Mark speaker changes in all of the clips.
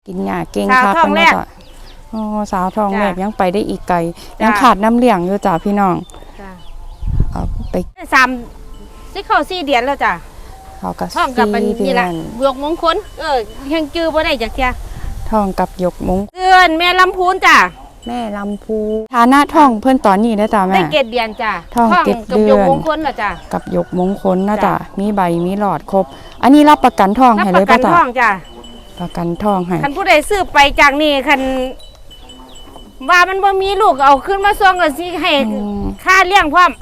Speaker 1: กินหญ้าเก่งครับเป็นว่าจ้ะอ๋อสาวทองแรกยังไปได้อีกไกลยังขาดน้ำเลี้ยงอยู่จ้ะพี่น้องเอาไป
Speaker 2: ที่เขา4 เดือนแล้วจ้ะ
Speaker 1: เขากับ
Speaker 2: ท้องกับนี่แหละบวกมงคลยังจื้อบ่ได้จักเที่ย
Speaker 1: ท้องกับยกมง
Speaker 2: เดือนแม่ลำพูนจ้ะ
Speaker 1: แม่ลำพูฐานะท้องเพิ่นตอนนี้ได้จ้ะแม่
Speaker 2: ได้7 เดือนจ้ะ
Speaker 1: ท้อง7 เดือน
Speaker 2: กับยกมงคลน่ะจ้ะ
Speaker 1: กับยกมงคลนะจ้ะมีใบมีหลอดครบอันนี้รับประกันท้องให้เลยป่ะจ้ะ
Speaker 2: รับประกันท้องจ้ะ
Speaker 1: ประกันท้องให้
Speaker 2: คันผู้ใดซื้อไปจากนี่คันว่ามันบ่มีลูกเอาขึ้นมาส่งก็สิให้ค่าเลี้ยงพร้อม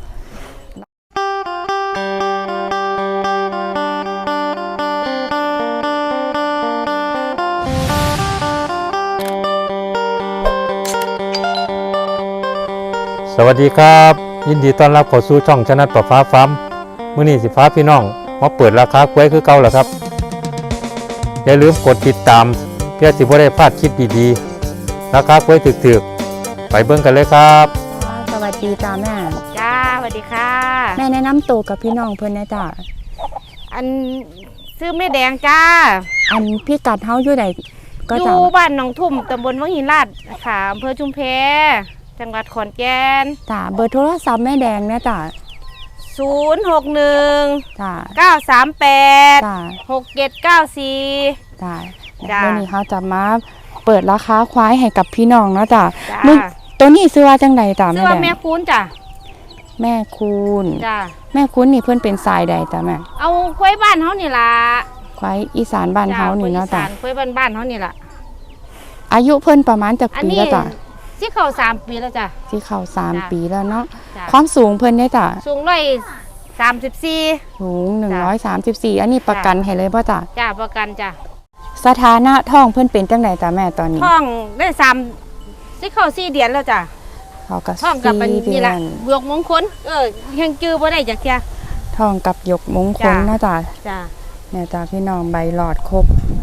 Speaker 3: สวัสดีครับยินดีต้อนรับเข้าสู่ช่องชนะประฟ้าฟาร์มมื้อนี้สิฟ้าพี่น้องมาเปิดราคากล้วยคือเก่าแล้วครับอย่าลืมกดติดตามเพื่อสิบ่ได้พลาดคลิปดีๆราคากล้วยถึกๆไปเบิ่งกันเลยครับ
Speaker 1: สวัสดีจ้าแม่
Speaker 2: จ้าสวัสดีค่ะ
Speaker 1: แม่แนะนำตัวกับพี่น้องเพิ่นนะจ้า
Speaker 2: อันซื้อแม่แดงจ้า
Speaker 1: อันพี่กัดเฮาอยู่ใด
Speaker 2: ก็อยู่บ้านหนองทุ่มตำบลวังหินลาดค่ะอำเภอชุมแพจังหวัดขอนแก่น
Speaker 1: จ้าเบอร์โทรศัพท์แม่แดงนะจ้า
Speaker 2: 061
Speaker 1: จ้า
Speaker 2: 938
Speaker 1: จ้า
Speaker 2: 6794
Speaker 1: จ้าวันนี้เขาจะมาเปิดราคาควายให้กับพี่น้องเนาะจ้าตัวนี้ซื้อว่าจังใดจ้า
Speaker 2: แม่แดงซื้อว่าแม่คูณจ้า
Speaker 1: แม่คูณ
Speaker 2: จ้า
Speaker 1: แม่คูณนี่เพื่อนเป็นสายใดจ้าแม่
Speaker 2: เอาควายบ้านเขานี่ล่ะ
Speaker 1: ควายอีสานบ้านเขานี่เนาะจ้า
Speaker 2: ควายบ้านเขานี่ล่ะ
Speaker 1: อายุเพิ่นประมาณจากปีแล้วจ้า
Speaker 2: ที่เขา3 ปีแล้วจ้ะ
Speaker 1: ที่เขา3 ปีแล้วเนาะความสูงเพิ่นเนี่ยจ้ะ
Speaker 2: สูง134
Speaker 1: สูง134อันนี้ประกันให้เลยป่ะจ้ะ
Speaker 2: จ้ะประกันจ้ะ
Speaker 1: สถานะท้องเพิ่นเป็นจังไดจ้ะแม่ตอนนี้
Speaker 2: ท้องได้3ที่เขา4 เดือนแล้วจ้ะ
Speaker 1: เขากับ
Speaker 2: ท้องกับนี่แหละบวกมงคลยังจื้อบ่ได้จักเที่ย
Speaker 1: ท้องกับยกมงคลนะจ้ะ
Speaker 2: จ้ะ
Speaker 1: เนี่ยจ้ะพี่น้องใบหลอดครบ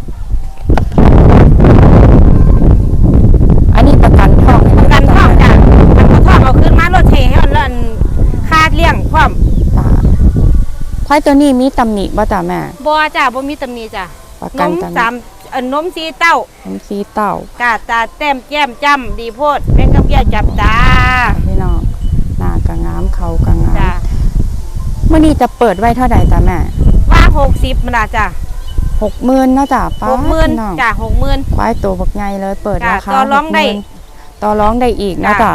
Speaker 1: ประกันท้อง
Speaker 2: จ้ะมันก็ท้องเอาขึ้นมารถเทให้มันเล่นคาดเลี้ยงพร้อม
Speaker 1: ควายตัวนี้มีตำหนิบ่จ้ะแม่
Speaker 2: บ่จ้ะบ่มีตำหนิจ้ะ
Speaker 1: ประกัน
Speaker 2: นม4 เต้าน
Speaker 1: ม4 เต้าก
Speaker 2: ะตาแต้มแก้มจ้ำดีโพดเป็นกับแก้จับตา
Speaker 1: พี่น้องหน้ากะงามเขากะงามเมื่อนี้จะเปิดไว้เท่าใดจ้ะแม่
Speaker 2: ว่า60มันล่ะจ้ะ
Speaker 1: 60,000เนาะจ้ะป้า
Speaker 2: 60,000จ้ะ60,000
Speaker 1: ควายตัวบักใหญ่เลยเปิดราคาต่อร้องได้อีกนะจ้ะ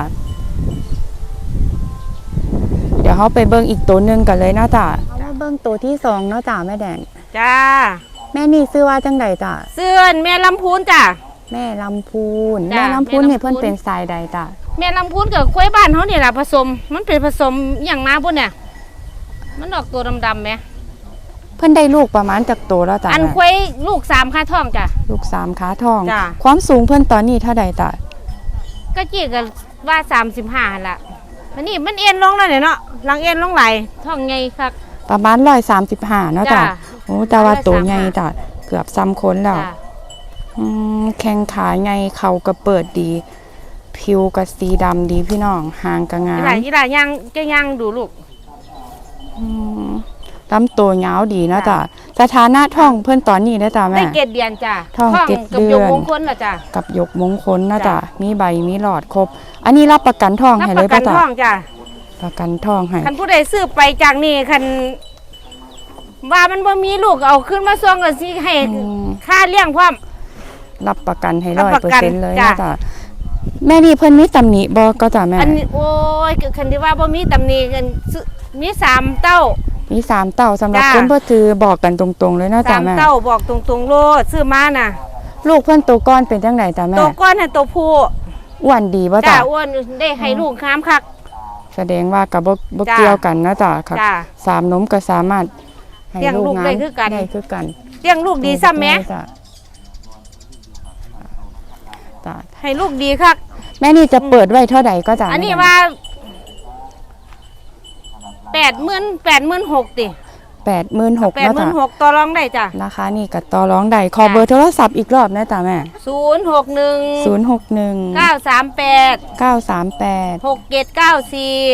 Speaker 1: เดี๋ยวเขาไปเบิ้งอีกตัวนึงกันเลยนะจ้ะเอามาเบิ้งตัวที่2เนาะจ้ะแม่แดง
Speaker 2: จ้า
Speaker 1: แม่นี่ซื้อว่าจังใดจ้ะ
Speaker 2: ซื้อแม่ลำพูนจ้ะ
Speaker 1: แม่ลำพูนนี่เพิ่นเป็นสายใดจ้ะ
Speaker 2: แม่ลำพูนกับควายบ้านเขาเนี่ยแหละผสมมันเป็นผสมอย่างมาพุ่นเนี่ยมันออกตัวดำๆไหม
Speaker 1: เพิ่นได้ลูกประมาณจากตัวแล้วจ้ะ
Speaker 2: อันควายลูก3 ขาท้องจ้ะ
Speaker 1: ลูก3 ขาท้องความสูงเพิ่นตอนนี้เท่าใดจ้ะ
Speaker 2: ก็จีกันว่า35ละอันนี้มันเอ็นลงแล้วเนี่ยเนาะหลังเอ็นลงไหลท้องใหญ่คัก
Speaker 1: ประมาณ135เนาะจ้ะโอ้แต่ว่าตัวใหญ่จ้ะเกือบซ้ำคนแล้วแข้งขาใหญ่เข่าก็เปิดดีผิวก็สีดำดีพี่น้องหางก็งาม
Speaker 2: ยี่หล่ายังจะยังดูลูก
Speaker 1: ลำตัวยาวดีนะจ้ะสถานะท้องเพื่อนตอนนี้นะจ้ะแม่
Speaker 2: ได้7 เดือนจ้ะ
Speaker 1: ท้อง7 เดือน
Speaker 2: กับยกมงคลนะจ้ะ
Speaker 1: กับยกมงคลนะจ้ะมีใบมีหลอดครบอันนี้รับประกันท้องให้เลยป่ะจ้ะประกันท้องให้
Speaker 2: คันผู้ใดซื้อไปจากนี่คันว่ามันบ่มีลูกเอาขึ้นมาส่งก็สิให้ค่าเลี้ยงพร้อม
Speaker 1: รับประกันให้100%เลยนะจ้ะแม่นี่เพิ่นมีตำหนิบ่ก็จ้ะแม่
Speaker 2: อันนี้โอ้ยคันที่ว่าบ่มีตำหนิกันมี3 เต้า
Speaker 1: มี3 เต้าสำหรับคนบ่ถือบอกกันตรงๆเลยนะจ้ะแม่
Speaker 2: 3 เต้าบอกตรงๆโลดซื้อมาน่ะ
Speaker 1: ลูกเพิ่นโตก้อนเป็นจังไดจ้ะแม่
Speaker 2: โตก้อนให้โตผู้
Speaker 1: อ้วนดีบ่จ้ะ
Speaker 2: อ้วนได้ให้ลูกงามคัก
Speaker 1: แสดงว่ากับบ่เกี่ยวกันนะจ้ะครับ3 นมก็สามารถให้ลูก
Speaker 2: ได้คือกันเลี้ยงลูกดีซ้ำแม่ให้ลูกดีคัก
Speaker 1: แม่นี่จะเปิดไว้เท่าใดก็จ้ะ
Speaker 2: อันนี้ว่า86,000ติ
Speaker 1: 86,000นะจ้ะ
Speaker 2: ต่อรองได้จ้ะ
Speaker 1: ราคานี่ก็ต่อรองได้ขอเบอร์โทรศัพท์อีกรอบนะจ้ะแม่
Speaker 2: 061 938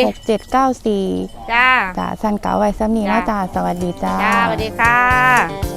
Speaker 2: 6794
Speaker 1: จ้าสั่นเก๋าไว้ซ้ำนี้นะจ้าสวัสดีจ้า
Speaker 2: สวัสดีค่ะ